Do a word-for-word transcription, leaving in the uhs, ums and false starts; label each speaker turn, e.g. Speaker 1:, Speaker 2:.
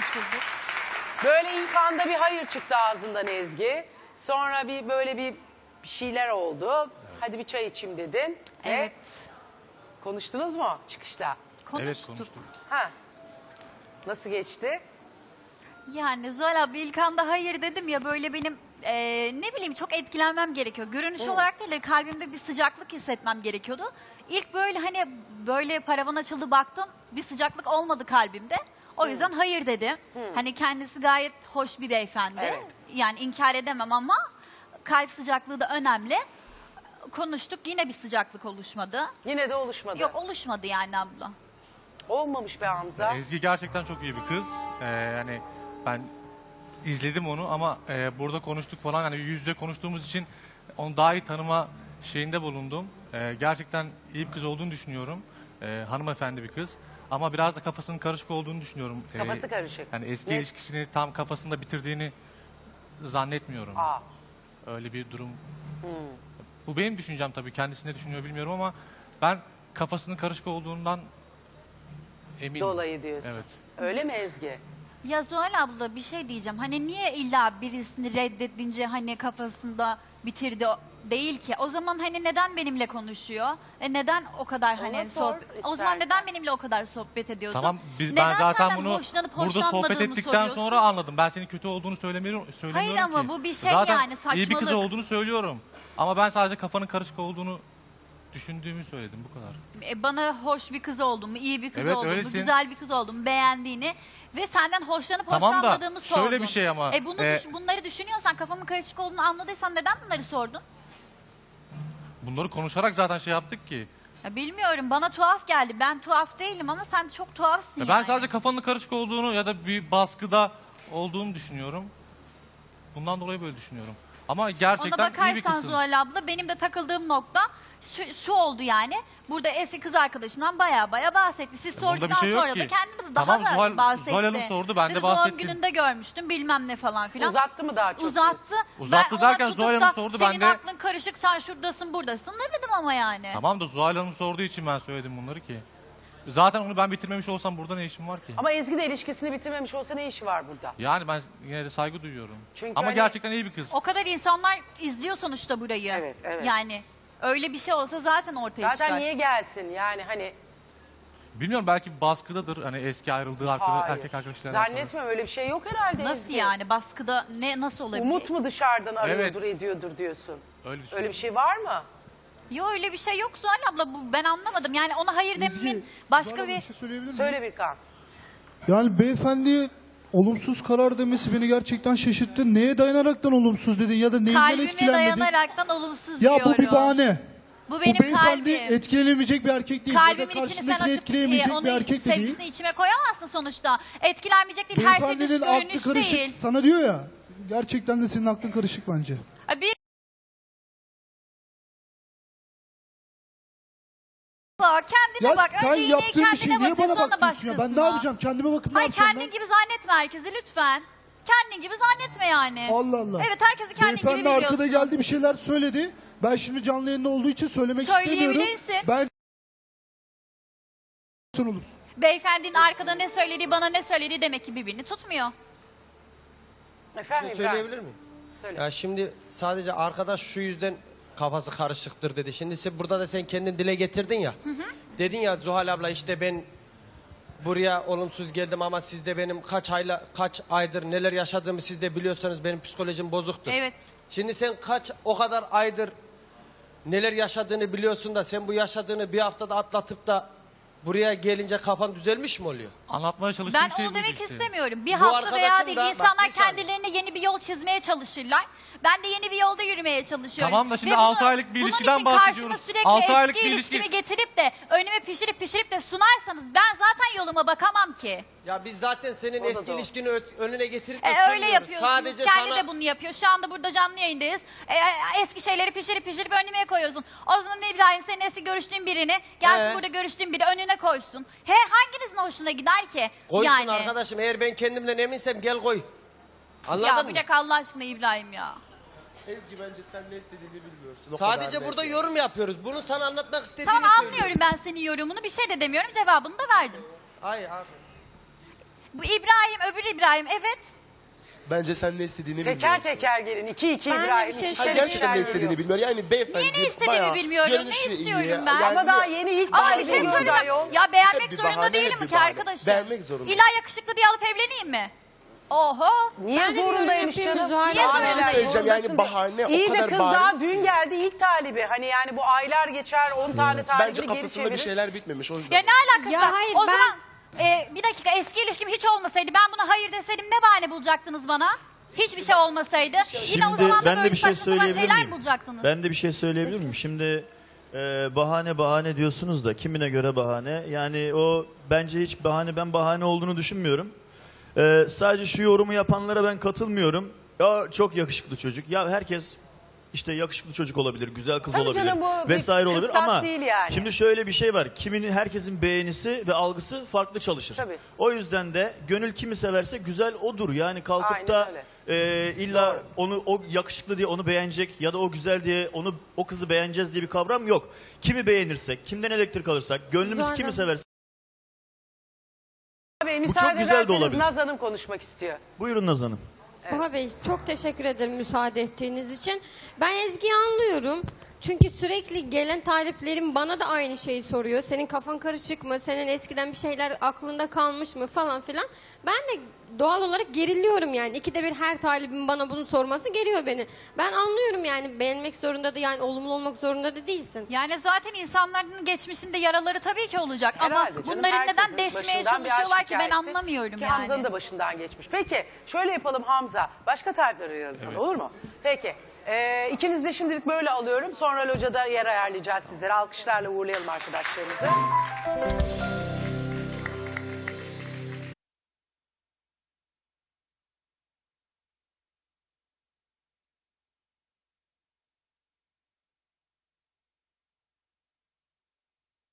Speaker 1: Hoş bulduk.
Speaker 2: Böyle ilk anda bir hayır çıktı ağzından Ezgi. Sonra bir böyle bir bir şeyler oldu. Hadi bir çay içeyim dedin.
Speaker 1: Evet.
Speaker 2: Ve konuştunuz mu çıkışta?
Speaker 1: Konuştuk.
Speaker 3: Evet konuştuk.
Speaker 2: Ha. Nasıl geçti?
Speaker 1: Yani Zuhal abla ilk anda hayır dedim ya, böyle benim e, ne bileyim çok etkilenmem gerekiyor. Görünüş
Speaker 2: Evet.
Speaker 1: olarak değil de kalbimde bir sıcaklık hissetmem gerekiyordu. İlk böyle hani böyle paravan açıldı baktım, bir sıcaklık olmadı kalbimde. O yüzden hayır dedim.
Speaker 2: Hı.
Speaker 1: Hani kendisi gayet hoş bir beyefendi.
Speaker 2: Evet.
Speaker 1: Yani inkar edemem ama kalp sıcaklığı da önemli. Konuştuk, yine bir sıcaklık oluşmadı.
Speaker 2: Yine de oluşmadı.
Speaker 1: Yok, oluşmadı yani abla.
Speaker 2: Olmamış be Hamza.
Speaker 3: Ezgi gerçekten çok iyi bir kız. Ee, yani ben izledim onu ama e, burada konuştuk falan, hani yüz yüze konuştuğumuz için onu daha iyi tanıma şeyinde bulundum. Ee, gerçekten iyi bir kız olduğunu düşünüyorum. Ee, hanımefendi bir kız. Ama biraz da kafasının karışık olduğunu düşünüyorum. Ee,
Speaker 2: Kafası karışık.
Speaker 3: Yani eski
Speaker 2: Ne?
Speaker 3: ilişkisini tam kafasında bitirdiğini zannetmiyorum.
Speaker 2: Aa.
Speaker 3: Öyle bir durum.
Speaker 2: Hmm.
Speaker 3: Bu benim düşüncem tabii. Kendisi ne düşünüyor bilmiyorum ama ben kafasının karışık olduğundan eminim.
Speaker 2: Dolayı diyorsun.
Speaker 3: Evet.
Speaker 2: Öyle mi Ezgi?
Speaker 1: Ya Zuhal abla bir şey diyeceğim. Hani niye illa birisini reddedince hani kafasında bitirdi o- değil ki? O zaman hani neden benimle konuşuyor? E neden o kadar
Speaker 2: Ona
Speaker 1: hani
Speaker 2: sor
Speaker 1: sohbet... O zaman
Speaker 2: istersen.
Speaker 1: neden benimle o kadar sohbet ediyorsun?
Speaker 3: Tamam biz,
Speaker 1: Neden
Speaker 3: ben zaten
Speaker 1: senden
Speaker 3: bunu
Speaker 1: hoşlanıp
Speaker 3: burada sohbet
Speaker 1: hoşlanmadığımı
Speaker 3: ettikten
Speaker 1: soruyorsun?
Speaker 3: sonra anladım. Ben senin kötü olduğunu söylemiyorum, söylemiyorum
Speaker 1: Hayır ama
Speaker 3: ki.
Speaker 1: bu bir şey
Speaker 3: zaten
Speaker 1: yani,
Speaker 3: iyi bir kız
Speaker 1: saçmalık.
Speaker 3: olduğunu söylüyorum. Ama ben sadece kafanın karışık olduğunu düşündüğümü söyledim, bu kadar.
Speaker 1: E, bana hoş bir kız olduğumu, iyi bir kız
Speaker 3: Evet,
Speaker 1: olduğumu,
Speaker 3: öylesin.
Speaker 1: güzel bir kız olduğumu, beğendiğini ve senden hoşlanıp
Speaker 3: Tamam da
Speaker 1: hoşlanmadığımı sordun.
Speaker 3: şöyle bir şey ama,
Speaker 1: E bunu
Speaker 3: e,
Speaker 1: düş- bunları düşünüyorsan, kafamın karışık olduğunu anladıysan neden bunları sordun?
Speaker 3: Bunları konuşarak zaten şey yaptık ki.
Speaker 1: Ya bilmiyorum, bana tuhaf geldi. Ben tuhaf değilim ama sen çok tuhafsın
Speaker 3: Ya
Speaker 1: yani.
Speaker 3: ben sadece kafanın karışık olduğunu ya da bir baskıda olduğunu düşünüyorum. Bundan dolayı böyle düşünüyorum. Ama gerçekten
Speaker 1: Ona
Speaker 3: iyi bir
Speaker 1: bakarsan
Speaker 3: kızsın.
Speaker 1: Zuhal abla, benim de takıldığım nokta şu, şu oldu yani. Burada eski kız arkadaşından baya baya bahsetti. Siz
Speaker 3: Bunda bir
Speaker 1: sorduktan
Speaker 3: şey yok
Speaker 1: sonra
Speaker 3: ki.
Speaker 1: da kendi de daha
Speaker 3: Tamam,
Speaker 1: da
Speaker 3: Zuhal-
Speaker 1: bahsetti.
Speaker 3: Zuhal Hanım sordu, ben de
Speaker 1: Dedi,
Speaker 3: bahsettim.
Speaker 1: Doğum gününde görmüştüm bilmem ne falan filan.
Speaker 2: Uzattı mı daha çok?
Speaker 1: Uzattı.
Speaker 3: Uzattı
Speaker 1: Ben ona
Speaker 3: derken
Speaker 1: tutup
Speaker 3: Zuhal
Speaker 1: da
Speaker 3: Hanım sordu, ben
Speaker 1: senin
Speaker 3: de-
Speaker 1: aklın karışık, sen şuradasın buradasın demedim ama yani.
Speaker 3: Tamam da Zuhal Hanım sorduğu için ben söyledim bunları ki. Zaten onu ben bitirmemiş olsam burada ne işim var ki?
Speaker 2: Ama Ezgi de ilişkisini bitirmemiş olsa ne işi var burada?
Speaker 3: Yani ben yine de saygı duyuyorum.
Speaker 2: Çünkü
Speaker 3: Ama
Speaker 2: hani-
Speaker 3: gerçekten iyi bir kız.
Speaker 1: O kadar insanlar izliyor sonuçta burayı.
Speaker 2: Evet, evet.
Speaker 1: Yani öyle bir şey olsa zaten ortaya
Speaker 2: Zaten
Speaker 1: çıkar.
Speaker 2: niye gelsin yani hani
Speaker 3: Bilmiyorum, belki baskıdadır. Hani eski ayrıldığı arkadaş,
Speaker 2: hayır.
Speaker 3: erkek arkadaşlarla. alakalı.
Speaker 2: Zannetmem, öyle bir şey yok herhalde
Speaker 1: Nasıl
Speaker 2: Ezgi.
Speaker 1: yani, baskıda ne nasıl olabilir?
Speaker 2: Umut mu dışarıdan arıyordur
Speaker 3: Evet.
Speaker 2: ediyordur diyorsun.
Speaker 3: Öyle düşünüyorum.
Speaker 2: Öyle bir şey var mı?
Speaker 1: Yok, öyle bir şey yok Zuhal abla, bu ben anlamadım. Yani ona hayır
Speaker 4: Ezgi,
Speaker 1: dememin başka
Speaker 4: Zuhal Hanım,
Speaker 1: bir...
Speaker 4: şey söyleyebilir miyim?
Speaker 2: Söyle Birkan.
Speaker 4: Yani beyefendi olumsuz karar demesi beni gerçekten şaşırttı. Neye dayanaraktan olumsuz dedin ya da neyinden
Speaker 1: Kalbime
Speaker 4: etkilenmedin?
Speaker 1: dayanaraktan olumsuz
Speaker 4: Ya
Speaker 1: diyorum.
Speaker 4: bu bir bahane.
Speaker 1: Bu benim
Speaker 4: bu beyefendi
Speaker 1: kalbim.
Speaker 4: etkilenemeyecek bir erkek değil. Ya da
Speaker 1: Kalbimin içini sen
Speaker 4: karşındakini
Speaker 1: açıp
Speaker 4: etkileyemeyecek
Speaker 1: e,
Speaker 4: bir
Speaker 1: onu
Speaker 4: erkek de değil.
Speaker 1: sevgisini içime koyamazsın sonuçta. Etkilenmeyecek değil, her şey dış
Speaker 4: Beyefendinin aklı
Speaker 1: görünüş
Speaker 4: karışık
Speaker 1: değil.
Speaker 4: sana diyor ya. Gerçekten de senin aklın karışık bence.
Speaker 1: Ha, Bir... Bak, kendine
Speaker 4: Ya
Speaker 1: bak.
Speaker 4: sen
Speaker 1: Önce iğneyi
Speaker 4: yaptığın bir şey
Speaker 1: kendine
Speaker 4: niye
Speaker 1: batır,
Speaker 4: bana
Speaker 1: sonra
Speaker 4: bakıyorsun ya? Ben ne
Speaker 1: başkasına.
Speaker 4: yapacağım? Kendime bakıp ne
Speaker 1: Hayır,
Speaker 4: yapacağım
Speaker 1: kendin
Speaker 4: ben?
Speaker 1: gibi zannetme herkesi lütfen. Kendin gibi zannetme yani.
Speaker 4: Allah Allah.
Speaker 1: Evet, herkesi kendin gibi
Speaker 4: Beyefendi
Speaker 1: biliyorsun.
Speaker 4: arkada geldi bir şeyler söyledi. Ben şimdi canlı yayında olduğu için söylemek istemiyorum.
Speaker 1: Söyleyebilirsin.
Speaker 4: Ben olur.
Speaker 1: Beyefendinin arkada ne söylediği, bana ne söylediği demek ki birbirini tutmuyor.
Speaker 2: Efendim
Speaker 5: Bir şey
Speaker 2: İbrahim.
Speaker 5: söyleyebilir miyim?
Speaker 2: Söyle.
Speaker 5: Ya şimdi sadece arkadaş şu yüzden kafası karışıktır dedi. Şimdi sen, burada da sen kendin dile getirdin ya. Dedin ya Zuhal abla, işte ben buraya olumsuz geldim ama siz de benim kaç ayla kaç aydır neler yaşadığımı siz de biliyorsanız benim psikolojim bozuktur.
Speaker 1: Evet.
Speaker 5: Şimdi sen kaç o kadar aydır neler yaşadığını biliyorsun da sen bu yaşadığını bir haftada atlatıp da buraya gelince kafan düzelmiş mi oluyor?
Speaker 3: Anlatmaya çalıştığım
Speaker 1: Ben
Speaker 3: şey
Speaker 1: onu
Speaker 3: buydu
Speaker 1: demek
Speaker 3: işte.
Speaker 1: istemiyorum. Bir
Speaker 5: Bu
Speaker 1: hafta veya
Speaker 5: arkadaşım
Speaker 1: değil.
Speaker 5: da- bak,
Speaker 1: İnsanlar
Speaker 5: bir saniye.
Speaker 1: kendilerine yeni bir yol çizmeye çalışırlar. Ben de yeni bir yolda yürümeye çalışıyorum.
Speaker 3: Tamam da şimdi
Speaker 1: Ve
Speaker 3: altı
Speaker 1: bunu-
Speaker 3: aylık bir
Speaker 1: bunun
Speaker 3: ilişkiden
Speaker 1: için
Speaker 3: bahsediyoruz.
Speaker 1: karşıma sürekli
Speaker 3: altı
Speaker 1: eski
Speaker 3: aylık bir
Speaker 1: ilişkimi
Speaker 3: ilişki.
Speaker 1: getirip de önüme pişirip pişirip de sunarsanız ben zaten yoluma bakamam ki.
Speaker 5: Ya biz zaten senin
Speaker 2: O da
Speaker 5: eski
Speaker 2: doğru.
Speaker 5: ilişkini ö- önüne getirip de
Speaker 1: E, öyle
Speaker 5: sunmuyoruz.
Speaker 1: yapıyorsunuz.
Speaker 5: Sadece
Speaker 1: Kendi
Speaker 5: sana...
Speaker 1: de bunu yapıyor. Şu anda burada canlı yayındayız. E, e, eski şeyleri pişirip pişirip önüme koyuyorsun. O zaman İbrahim, senin eski görüştüğün birini gelsin
Speaker 5: Ee?
Speaker 1: burada görüştüğün biri önüne koysun. He, hanginizin hoşuna gider ki?
Speaker 5: Koysun
Speaker 1: yani.
Speaker 5: arkadaşım, eğer ben kendimden eminsem gel koy. Anladın
Speaker 1: Ya
Speaker 5: mı?
Speaker 1: bırak Allah aşkına İbrahim ya.
Speaker 6: Ezgi, bence sen ne istediğini bilmiyorsun. O
Speaker 5: Sadece
Speaker 6: kadar
Speaker 5: burada
Speaker 6: net.
Speaker 5: yorum yapıyoruz. Bunu sana anlatmak istediğini
Speaker 1: Tamam,
Speaker 5: söylüyorum.
Speaker 1: anlıyorum ben senin yorumunu. Bir şey de demiyorum. Cevabını da verdim.
Speaker 5: Hayır abi.
Speaker 1: Bu İbrahim, öbür İbrahim, evet.
Speaker 6: Bence sen ne istediğini
Speaker 2: Teker
Speaker 6: bilmiyorsun.
Speaker 2: teker gelin. İki iki
Speaker 7: Ben de
Speaker 2: İbrahim.
Speaker 7: bir şey
Speaker 2: iki
Speaker 6: Ha,
Speaker 2: kere
Speaker 6: gerçekten ne
Speaker 2: geliyor.
Speaker 6: istediğini bilmiyor. Yani beyefendi
Speaker 1: Niye ne istediğimi
Speaker 6: bayağı
Speaker 1: bilmiyorum, ne
Speaker 6: görünüşü
Speaker 1: istiyorum
Speaker 6: iyi.
Speaker 1: ben?
Speaker 2: Ama
Speaker 6: Yani
Speaker 2: daha yeni ilk
Speaker 1: Ama
Speaker 2: bahane
Speaker 1: bir şey
Speaker 2: gördü
Speaker 1: söyleyeceğim.
Speaker 2: ayol.
Speaker 1: Ya beğenmek
Speaker 6: Hep bir
Speaker 1: zorunda
Speaker 6: bahane,
Speaker 1: değilim
Speaker 6: hep bir
Speaker 1: ki
Speaker 6: bahane.
Speaker 1: arkadaşım.
Speaker 6: Beğenmek zorunda.
Speaker 1: İlla yakışıklı diye alıp evleneyim mi? Oho.
Speaker 2: Niye
Speaker 7: Ben de bir yorum
Speaker 2: zorundaymış
Speaker 7: yapayım
Speaker 2: canım?
Speaker 7: Zuhal
Speaker 1: Niye
Speaker 7: abla.
Speaker 6: Bir şey
Speaker 1: zorundayım?
Speaker 6: söyleyeceğim yani bahane
Speaker 2: İyi
Speaker 6: o
Speaker 2: de
Speaker 6: kadar
Speaker 2: kız daha
Speaker 6: bariz.
Speaker 2: dün geldi ilk talibi. Hani yani bu aylar geçer on tane talibini
Speaker 6: Bence
Speaker 2: geri
Speaker 6: kafasında bir
Speaker 2: çevirir.
Speaker 6: şeyler bitmemiş o yüzden.
Speaker 1: Ya ne alakası
Speaker 7: Ya
Speaker 1: var?
Speaker 7: hayır,
Speaker 1: o
Speaker 7: ben-
Speaker 1: zaman e, bir dakika, eski ilişkim hiç olmasaydı, ben buna hayır deseydim ne bahane bulacaktınız bana? Hiçbir şey olmasaydı. Yine o
Speaker 8: Şimdi
Speaker 1: zaman da
Speaker 8: ben de
Speaker 1: böyle
Speaker 8: bir şey
Speaker 1: saçma sapan
Speaker 8: söyleyebilir
Speaker 1: şeyler
Speaker 8: miyim?
Speaker 1: bulacaktınız.
Speaker 8: Ben de bir şey söyleyebilir miyim? Şimdi e, bahane bahane diyorsunuz da kimine göre bahane? Yani o bence hiç bahane, ben bahane olduğunu düşünmüyorum. E, sadece şu yorumu yapanlara ben katılmıyorum. Ya çok yakışıklı çocuk. Ya herkes işte yakışıklı çocuk olabilir, güzel kız
Speaker 2: Tabii
Speaker 8: olabilir
Speaker 2: canım, bu bir
Speaker 8: vesaire olabilir
Speaker 2: kıstas
Speaker 8: ama
Speaker 2: değil yani.
Speaker 8: şimdi şöyle bir şey var. Kiminin, herkesin beğenisi ve algısı farklı çalışır.
Speaker 2: Tabii.
Speaker 8: O yüzden de gönül kimi severse güzel odur. Yani kalkıp
Speaker 2: Aynen
Speaker 8: da
Speaker 2: öyle.
Speaker 8: e, illa
Speaker 2: Doğru.
Speaker 8: onu o yakışıklı diye onu beğenecek ya da o güzel diye onu o kızı beğeneceğiz diye bir kavram yok. Kimi beğenirsek, kimden elektrik alırsak, gönlümüz
Speaker 7: Zaten.
Speaker 8: kimi severse.
Speaker 2: Bey,
Speaker 8: Bu
Speaker 2: müsaade
Speaker 8: çok güzel de
Speaker 2: ederseniz
Speaker 8: olabilir.
Speaker 2: Naz Hanım konuşmak istiyor.
Speaker 8: Buyurun Naz Hanım.
Speaker 7: Baha Bey çok teşekkür ederim müsaade ettiğiniz için. Ben Ezgi'yi anlıyorum. Çünkü sürekli gelen taliplerim bana da aynı şeyi soruyor. Senin kafan karışık mı? Senin eskiden bir şeyler aklında kalmış mı? Falan filan. Ben de doğal olarak geriliyorum yani. İkide bir her talibin bana bunu sorması geriyor beni. Ben anlıyorum yani, beğenmek zorunda da, yani olumlu olmak zorunda da değilsin.
Speaker 1: Yani zaten insanların geçmişinde yaraları tabii ki olacak.
Speaker 2: Herhalde
Speaker 1: Ama
Speaker 2: canım,
Speaker 1: bunların
Speaker 2: herkesin
Speaker 1: neden deşmeye
Speaker 2: başından bir
Speaker 1: çalışıyorlar
Speaker 2: aşk
Speaker 1: ki ben
Speaker 2: hikayesi.
Speaker 1: anlamıyorum
Speaker 2: Ki
Speaker 1: yani.
Speaker 2: Hamza'nın da başından geçmiş. Peki şöyle yapalım Hamza. Başka tarifler arayalım sana,
Speaker 3: Evet.
Speaker 2: olur mu? Peki. Ee, ikiniz de şimdilik böyle alıyorum. Sonra locada yer ayarlayacağız sizlere. Alkışlarla uğurlayalım arkadaşlarımızı.